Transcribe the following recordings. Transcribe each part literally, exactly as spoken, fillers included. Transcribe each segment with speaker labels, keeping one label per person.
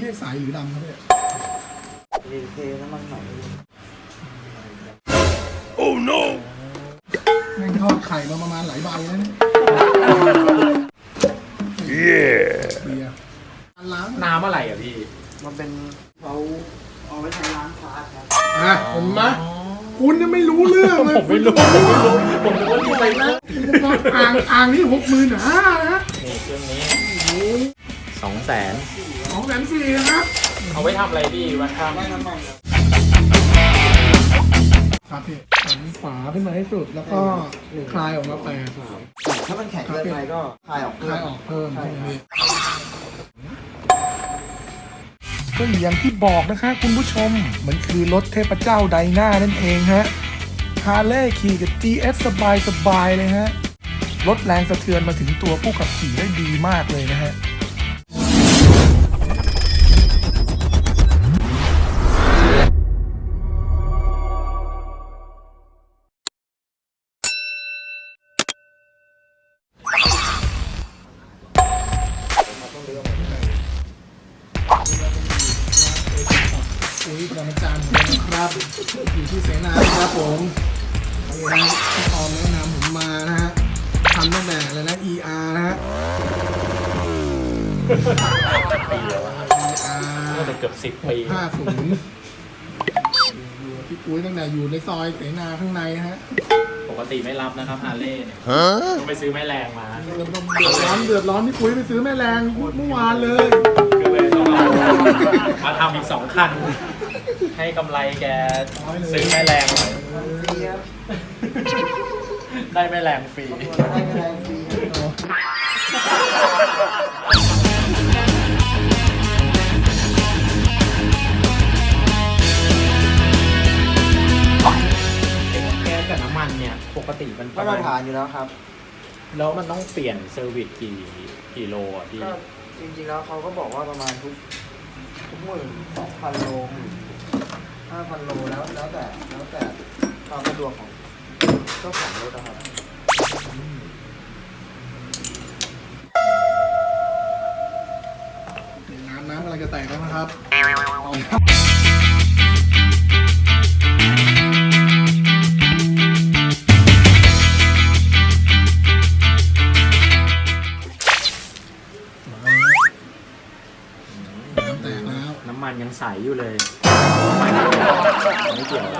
Speaker 1: เรียกสายหรือดำครับเนี่ย
Speaker 2: เรียกเทน้ำมันใหม่
Speaker 1: โอ้ no แม่งทอดไข่มาประมาณหลายใบแล้วเนี่ยเบียร์ล้าง
Speaker 3: น้ำอะไรอ่ะพี่
Speaker 2: มันเป็นเขาเอาไว้ใช้ล้างคลาสครับ
Speaker 1: อ่ะเห็นไหมคุณยังไม่รู้เรื่องเลย
Speaker 3: ผมไม่รู้ผมไม่รู้ผมนึกว่าดีไปนะ
Speaker 1: อ่างอ่างนี่หกหมื่นหานะ
Speaker 3: นี่เครื่องนี้สองแสน
Speaker 1: สองแสนสี่นะครับ
Speaker 3: เอาไว้ทำอะไรพี่วันทำ
Speaker 2: ไว้น้ำมัน
Speaker 1: ครับพี่หันฝาขึ้นมาให้สุดแล้วก็คลายออกมาแปด
Speaker 2: ถ้ามันแข็งเกินไปก็คลายออก
Speaker 1: คลายออกเพิ่มใช่ไหมพี่ก็อย่างที่บอกนะคะคุณผู้ชมมันคือรถเทพเจ้าไดนานั่นเองฮะฮาร์เลย์ขี่กับ จี เอส สบายสบายเลยฮะลดแรงสะเทือนมาถึงตัวผู้ขับขี่ได้ดีมากเลยนะฮะอุ้ยประจำนะครับอยู่ที่เสนาครับผมนี่นะพี่ออมแนะนำผมมานะฮะทำตั้งแต่อะไรนะ อี อาร์ นะฮะ
Speaker 3: ปีแล้วน่าจะเกือบสิบปี
Speaker 1: ห้าศูนย์อยู่พี่ปุ้ยตั้งแต่อยู่ในซอยเสนาข้างในฮะ
Speaker 3: ปกติไม่รับนะครับฮาร์เลย์เนี่ยต้องไปซื้อแม่แรงมา
Speaker 1: เดือดร้อนเดือดร้อนพี่ปุ้ยไปซื้อแม่แรงเมื่อวานเลย
Speaker 3: คือเลยต้องเอามาทำอีกสองคันให้กำไรแกซื้อแม่แรงหน่อยได้แม่แรงฟรี
Speaker 2: ได้แม่แรงฟรี
Speaker 3: แก๊สกับน้ำมันเนี่ยปกติมัน
Speaker 2: มาตรฐานอยู่แล้วครับ
Speaker 3: แล้วมันต้องเปลี่ยนเซอร์วิสกี่กี่โลอ่ะพี่
Speaker 2: ก็จริงๆแล้วเขาก็บอกว่าประมาณทุกทุกหมื่นสองพันโลห้าพันโลแล้วแล้วแต่แล้วแต่ความสะดวกของเจ้าของรถนะครับ
Speaker 1: น้ำน้ำอะไรจะแตกแล้วนะครับ
Speaker 3: น้ำมันยังใสอยู่เลยไม่เกี่ยว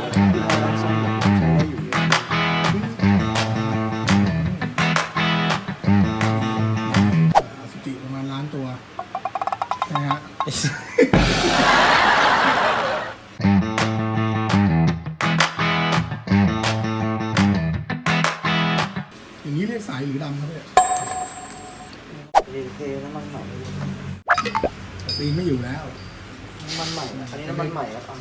Speaker 1: สติประมาณล้านตัวนะฮะอย่างนี้เรียกสายหรือดำครับเนี่ย
Speaker 2: เรียกเทน้ำมันใหม่
Speaker 1: ตีไม่อยู่แล้ว
Speaker 2: น้ำมันใหม่อันนี้น้ำมันใหม่ครับ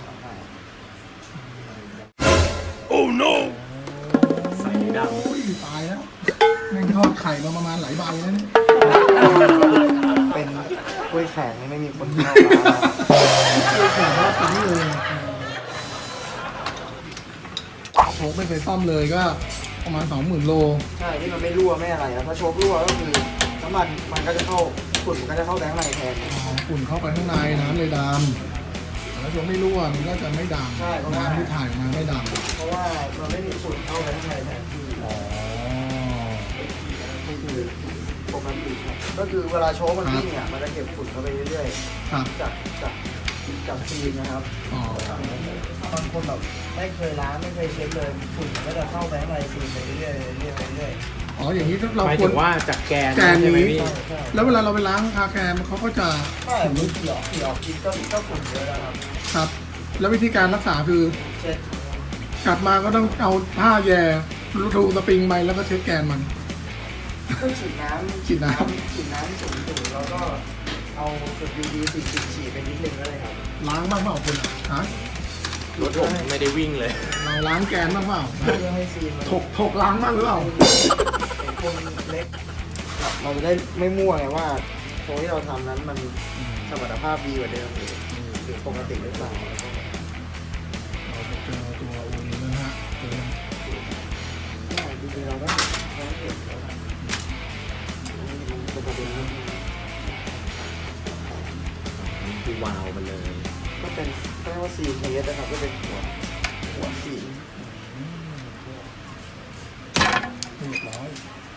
Speaker 1: โอ้ no
Speaker 3: ใส่ดำ
Speaker 1: โอ้ยตายแล้วแม่งทอดไข่มาประมาณหลายใบแล้วเนี่ย
Speaker 2: เป็นกล้วยแข็งไม่มีคนเข้ามา
Speaker 1: กล้วยแข็งว่าทิ้งเลยโชคไม่เคยซ่อมเลยก็ประมาณสองหมื่นโล
Speaker 2: ใช่ที่มันไม่รั่วไม่อะไรนะถ้าโชครั่วก็คือน้ำมันมันก็จะเข้าฝุ่นมันก็จะเข้าแบงค์ในแทน
Speaker 1: ฝุ่นเข้าไปข้างในน้ำเลยดำแล้วช่วงไม่รั่วมันก็จะไม่ดำน้ำที่ถ่ายมาไม่ด
Speaker 2: ำเพราะว่ามันไม่มีฝุ่นเข้าไปข้างในแทนอ๋อก็คือปกติก็คือเวลาโชว์มันวิ่งเนี่ยมันจะเก็บฝุ่นเข้าไปเรื่อยๆจากจากจากฟิล์มนะครับบางคนแบบไม่เคยล้างไม่เคยเช็ดเลยฝุ่นก็จะเข้าไปข้างในฟิล์มไปเรื่อยๆเรื่อยๆเรื่อย
Speaker 1: ๆอ๋ออย่างนี้เรา
Speaker 3: ควรว่าจากแกน
Speaker 1: แกนนี้แล้วเวลาเราไปล้างคาแคร์เขาก็จะ
Speaker 2: ใช่มันเกี่ยวเกี่ยวกินก็ก็ฝุ่นเยอะนะครับ
Speaker 1: ครับแล้ววิธีการรักษาคือ
Speaker 2: เช็ด
Speaker 1: กลับมาก็ต้องเอาผ้าแย่รูสปริงไปแล้วก็เช็ดแกนมัน
Speaker 2: ก็ฉีดน้ำ
Speaker 1: ฉีดน้ำ
Speaker 2: ฉีดน้ำสูงๆแล้วก็เอาจุด ยู วี ฉีดฉีดไปนิดนึงก็เลยครับ
Speaker 1: ล้างบ้างเปล่าคุณฮะ
Speaker 3: รถผมไม่ได้วิ่งเลย
Speaker 1: เราล้างแกนบ้างเปล่า
Speaker 2: เพื่อให้ซีน
Speaker 1: ถกถกล้างบ้างหรือเปล่า
Speaker 2: คนเล็กเราจะได้ไม่มั่วไงว่าโค้ที่เราทำนั้นมันสมรรถภาพดีกว่าเดิมหรือปกติหรือเปล่า
Speaker 1: เราจะเจอตัวโอนี้นะฮะเจอ
Speaker 2: จริงๆเราต้องต้องเก็บแล้วจะประเด็นนี้
Speaker 3: คือวาล์วมันเลย
Speaker 2: ก็เป็นก็เรียกว่าซีนเทสนะครับก็เป็นหัวหัวซีน
Speaker 1: เรียบร้อย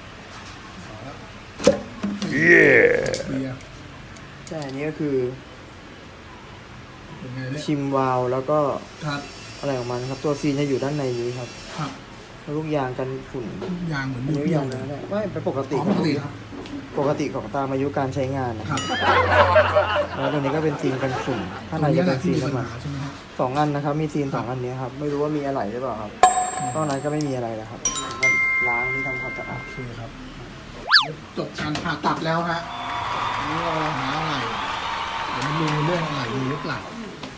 Speaker 1: เบียร์
Speaker 2: ใช่อันนี้ก็คือ
Speaker 1: เป็นไงเนี่ย
Speaker 2: ชิมวาล์วแล้วก็
Speaker 1: ครับ
Speaker 2: อะไรของมันครับตัวซีนจะอยู่ด้านในนี้ครับ
Speaker 1: ครับ
Speaker 2: แล้วลูกยางกันฝุ่น
Speaker 1: ทุกอย่างเหมือน
Speaker 2: อัน
Speaker 1: มี
Speaker 2: นี้
Speaker 1: เปรี้ย
Speaker 2: ยาว ง
Speaker 1: เล
Speaker 2: นะ
Speaker 1: ย
Speaker 2: ไม่เป็นปกติ
Speaker 1: อ๋อปกติครับ
Speaker 2: ปกติของตามอายุการใช้งานนะ
Speaker 1: ครับ
Speaker 2: แล้วตัวนี้ก็เป็นซีนกันฝุ่นข้างในจะเป็นซีน
Speaker 1: ปัญ
Speaker 2: น้ำมัน
Speaker 1: หาใช่ไหมครับ
Speaker 2: สองอันนะครับ มีซีนสองอันนี้ครับ ไม่รู้ว่ามีอะไรหรือเปล่าครับนอกนั้นก็ไม่มีอะไรแล้วครับก็ล้างที่ทำความสะอาด
Speaker 1: โอเคครับ จบการผ่าตัดแล้วฮะอันนี้เราหาอะไรเดี๋ยวมาดูเรื่องอะไรมีหรือเปล่า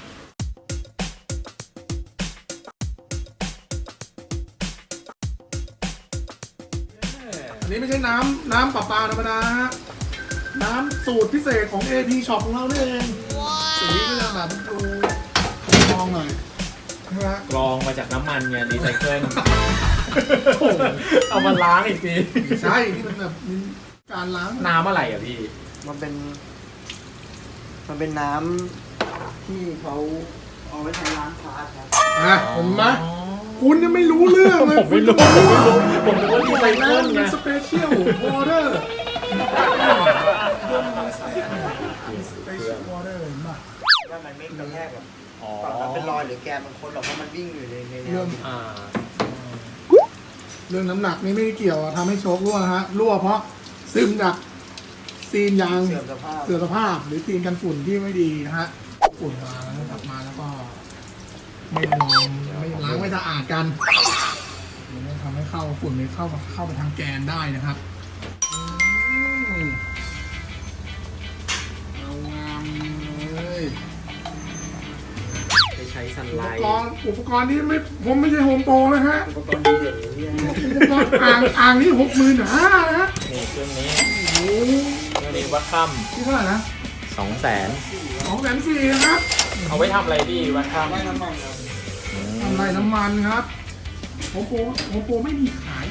Speaker 1: อันนี้ไม่ใช่น้ำน้ำประปาธรรมดาฮะน้ำสูตรพิเศษของ เอ พี Shop ของเรานี่เองสีก็จะแบบดูมองหน่อยนะฮะ
Speaker 3: กรองมาจากน้ำมันไงรีไซเคิล
Speaker 1: โอ้โห
Speaker 3: เอามาล้างอีกที
Speaker 1: ใช่ที่มันแบบมีการล้าง
Speaker 3: น้ำอะไรอ่ะพี่
Speaker 2: มันเป็น มันเป็นน้ำที่เขาเอาไว้ใช้ล้างคาร์ดครับ
Speaker 1: อ่ะเห็นไหมคุณยังไม่รู้เรื่องเลย
Speaker 3: ผมไม่รู้ผมไม่รู้ผมนึกว่ารีไซเคิลไง
Speaker 1: น้ำสเปเชียลวอเตอร์สเปเชียลวอเตอร์เห็นป่ะ
Speaker 2: ว่ามันไม่กระแทกแบบ
Speaker 3: อ๋อ
Speaker 2: ฝั่งนั้นเป็นรอยหรือแกนบางคนหรอกเพราะมันวิ่งอยู่ในในแน
Speaker 1: เรื่
Speaker 2: ว
Speaker 1: อง
Speaker 3: อ่า
Speaker 1: เรื่องน้ำหนักนี่ไม่ได้เกี่ยวอะทำให้โชครั่วฮะรั่วเพราะซึมจากซีนยาง
Speaker 2: เสื่อมสภาพ
Speaker 1: เสื่อมสภาพหรือซีนกันฝุ่นที่ไม่ดีนะฮะฝุ่นมาแล้วกลับมาแล้วก็ไม่ลองไม่ล้างไม่สะอาดกันมันจะทำให้เข้าฝุ่นไม่เข้าเข้าไปทางแกนได้นะครับอืมเอางามเลย
Speaker 3: ไปใช้ซัน
Speaker 1: อุ
Speaker 3: ไล
Speaker 1: ป
Speaker 3: ท์
Speaker 1: กรณ์อุปกรณ์นี้ไม่ผมไม่ใช่โฮมโปรนะฮะ
Speaker 2: อุปกรณ์ดีเด่นอย่างนี้ย
Speaker 1: อุปกรณ์อ่างอ่างนี่หกหมื่นห้านะฮะ
Speaker 3: นี่เครื่องนี้
Speaker 1: โอ้โห
Speaker 3: เครื่องนี้วัดค่
Speaker 1: ที่เท่าไหร่นะ
Speaker 3: ำสองแสน
Speaker 1: สองแสนสี่นะครับ
Speaker 3: เอาไว้ทำอะไรพี่วัดค่
Speaker 2: ไล่น้ำมันครับ
Speaker 3: ำ
Speaker 1: ทำไรน้ำมันครับโฮมโปรโฮมโปรไม่มีขาย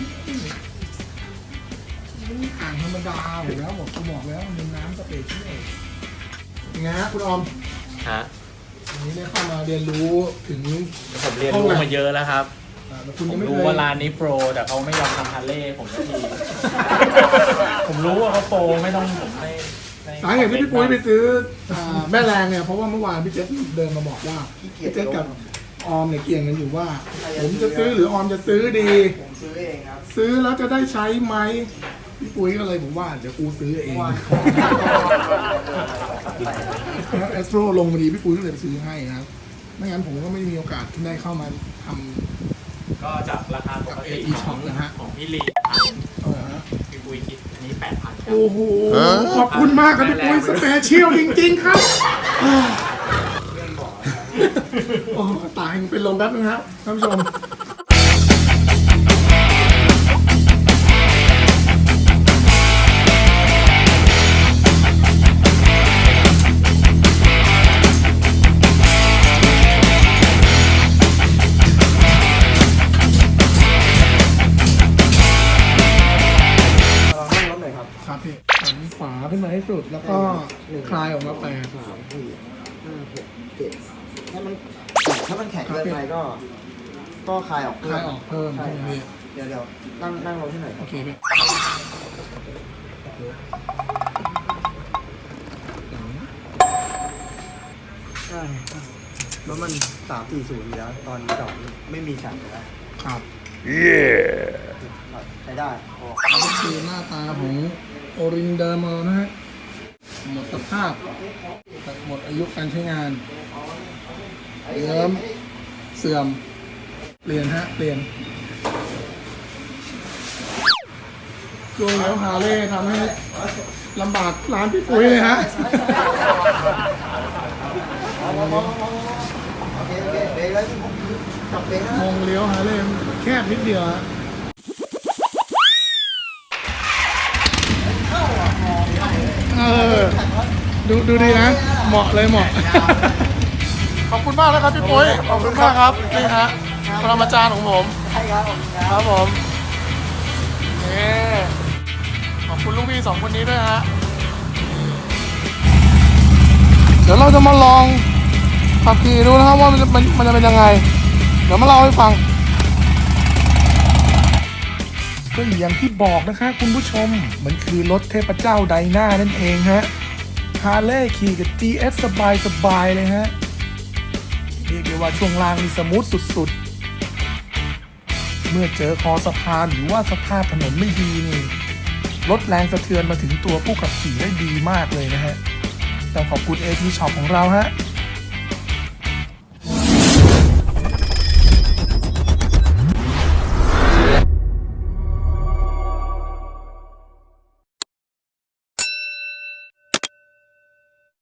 Speaker 1: มันอ่างธรรมดาอยู่แล้วบอกกูบอกแล้วมันเป็นน้ำสเปเชียลยังไงฮะคุณออม
Speaker 3: ฮะ
Speaker 1: วันนี้ได้เข้ามาเรียนรู้ถึง
Speaker 3: ผมเรียนรู้มาเยอะแล้วครับ
Speaker 1: อ่าแต่คุณ
Speaker 3: ผ
Speaker 1: ยัง
Speaker 3: ม
Speaker 1: ไม่เค
Speaker 3: รู้
Speaker 1: ย
Speaker 3: ว่าร้านนี้โปร แต่เขาไม่ยอมทำฮาร์เลย์ผมสักที ผมรู้ว่าเขาโปรไม่ต้องผมไม่ไม่
Speaker 1: สาเหตุที่พี่ปุ้ยไปซื้ออ่าแม่แรงเนี่ยเพราะว่าเมื่อวานพี่เจษเดินมาบอกว่า
Speaker 2: ขี้เกียจ
Speaker 1: พี่เจษ
Speaker 2: ล
Speaker 1: กับ
Speaker 2: ง
Speaker 1: ออมเนี่ยเกี่ยงกันอยู่ว่า ผมจะซื้อหรือออมจะซื้อดี
Speaker 2: ผมซื้อเองครับ
Speaker 1: ซื้อแล้วจะได้ใช้ไหมพี่ปุ้ยก็เลยผมว่าเดี๋ยวกูซื้อเอง
Speaker 2: ว่า
Speaker 1: แล้วเอสโตรลงมาดีพี่ปุ้ยก็เลยไปซื้อให้นะครับไม่งั้นผมก็ไม่มีโอกาสที่ได้เข้ามาทำ
Speaker 3: ก็จากราคาปกติ
Speaker 1: กับ
Speaker 3: ของ
Speaker 1: เอ อี ช็อปนะฮะ
Speaker 3: ของพี่ลีพัน
Speaker 1: เออฮะ
Speaker 3: พี่ปุ้ยคิดอันนี้แปดพันครับ
Speaker 1: โอ้โหขอบคุณมากครับพี่ปุ้ยสเปเชียลจริงๆครับโอ้ตายเป็นลมแป๊บนึงครับท่านผู้ชม
Speaker 2: ลองนั่งรถหน่อยครับ
Speaker 1: ครับพี่หันขวาขึ้นมาให้สุดแล้วก็คลายออกมาแปด
Speaker 2: สามสี่ห้าหกเจ็ดถ้ามันถ้ามันแข็งเกินไปก็ ก็คลายออก
Speaker 1: คลายออกเพิ่ม
Speaker 2: ใช่
Speaker 1: ใช่ไหมพี่
Speaker 2: เดี๋ยวเดี๋ยวนั่งนั่งลงที่ไหนค
Speaker 1: โอ
Speaker 2: รับ
Speaker 1: เคพี่
Speaker 2: ใช่แล้วมันสามสี่ศูนย์อยู่แล้ว ตอนจอดไม่มีฉันอยู่แล้ว
Speaker 1: ครับ
Speaker 2: ใช้ได้พอ
Speaker 1: นี่คือหน้าตาของโอรินเดอร์มานะฮะหมดสภาพหมดอายุการใช้งานเยิ้มเสื่อมเปลี่ยนฮะเปลี่ยนช่วงแล้วฮาเล่ทำให้ลำบากร้านพี่ปุ้ยเลยฮะ
Speaker 2: โอเคโอเคเบรกเลยจับเบรกนะ
Speaker 1: มองเลี้ยวฮาเล่แคบนิดเดียวฮะเออดูดูดีนะ เหมาะเลยเหมาะ ขอบคุณมากนะครับพี่ปุ้ยขอบคุณมากครับนี่ฮะปรมาจารย์ของผม
Speaker 2: ใช่ครับผมค
Speaker 1: ครับ รับผมนี่ขอบคุณลูกพี่สองคนนี้ด้วยฮะเดี๋ยวเราจะมาลองขับขี่ดูนะครับว่ามันจะมันมันจะเป็นยังไงเดี๋ยวมาเล่าให้ฟังก็อย่างที่บอกนะคะคุณผู้ชมมันคือรถเทพเจ้าไดนานั่นเองฮะฮาร์เลย์ขี่กับ จี เอส สบายสบายเลยฮะเรียกได้ว่าช่วงล่างนี่สมูทสุดๆเมื่อเจอคอสะพานหรือว่าสภาพถนนไม่ดีนี่ลดแรงสะเทือนมาถึงตัวผู้ขับขี่ได้ดีมากเลยนะฮะต้องขอบคุณ เอ ที Shop ของเราฮะ